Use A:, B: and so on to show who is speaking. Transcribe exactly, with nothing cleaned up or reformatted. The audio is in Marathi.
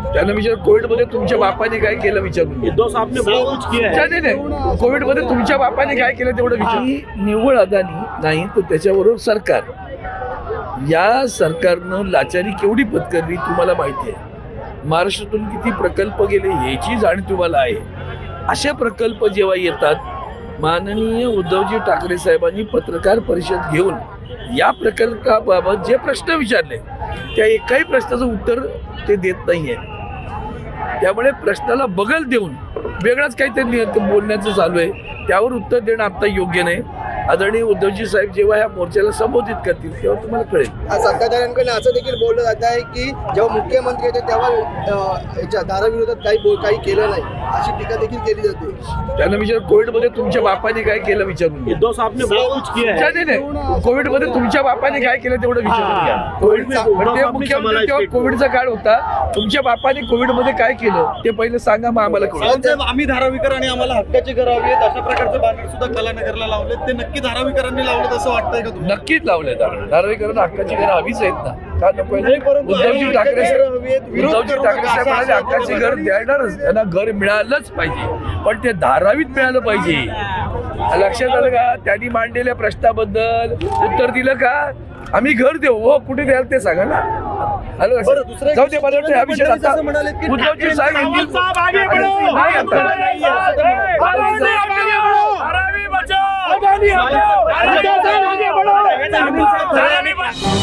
A: त्यांना विचार कोविडमध्ये तुमच्या बापाने काय केलं विचारून घे.
B: उद्धव साहब ने बहुत कुछ किया है.
A: नाही नाही कोविडमध्ये तुमच्या बापाने काय केलं तेवढं विचार. निव्वळ अदानी नाही तर त्याच्याबरोबर सरकार, या सरकारनं लाचारी केवढी पत्करली तुम्हाला माहिती आहे. महाराष्ट्रातून किती प्रकल्प गेले याची जाणीव तुम्हाला आहे. असे प्रकल्प जेव्हा येतात, माननीय उद्धवजी ठाकरे साहेबांनी पत्रकार परिषद घेऊन या प्रकल्पाबाबत जे प्रश्न विचारले त्या एकाही प्रश्नाचं उत्तर ते देत नाहीये. त्यामुळे प्रश्नाला बगल देऊन वेगळाच काहीतरी बोलण्याचं चालू आहे, त्यावर उत्तर देणं आता योग्य नाही. आदरणीय उद्धवजी साहेब जेव्हा या मोर्चाला संबोधित करतील तेव्हा तुम्हाला कळेल.
C: सत्ताधाऱ्यांकडे असं देखील बोललं जात आहे की जेव्हा मुख्यमंत्री होते तेव्हा याच्या दाराविरोधात काही बोल काही केलं नाही अशी टीका देखील केली जाते.
A: त्यांना विचार कोविडमध्ये तुमच्या बापाने काय केलं विचारून घे.
B: उद्धव साहब ने बहुत कुछ किया है.
A: नाही नाही कोविडमध्ये तुमच्या बापाने काय केलं तेवढं विचारून घ्या. कोविडचा मुख्यमंत्री तेव्हा कोविडचा काळ होता, तुमच्या बापाने कोविडमध्ये काय केलं ते पहिले सांगा, मग आम्हाला कळलं.
D: आम्ही धारावीकर आणि आम्हाला हक्काची घरं हवी आहेत अशा प्रकारचं बॅनर सुद्धा कलानगरला लावले. ते नक्की धारावीकरांनी लावलेत असं वाटतंय का तुम्हाला?
A: नक्कीच लावले. धारावीकरांना हक्काची घरं हवीच आहेत ना, का नको? उद्धवजी ठाकरे साहेब उद्धवजी ठाकरे साहेब म्हणाले हक्काची घर देणारच, त्यांना घर मिळालंच पाहिजे, पण ते धारावीत मिळालं पाहिजे. लक्षात आलं का? त्यांनी मांडलेल्या प्रश्नाबद्दल उत्तर दिलं का? आम्ही घर देऊ, हो कुठे द्याल ते सांगा ना. हॅलो जाऊ दे, मला वाटतं हा विषय आता उद्धवजी साहेब येतील. नाही आता
B: अदानी बचाओ, अदानी बचाओ.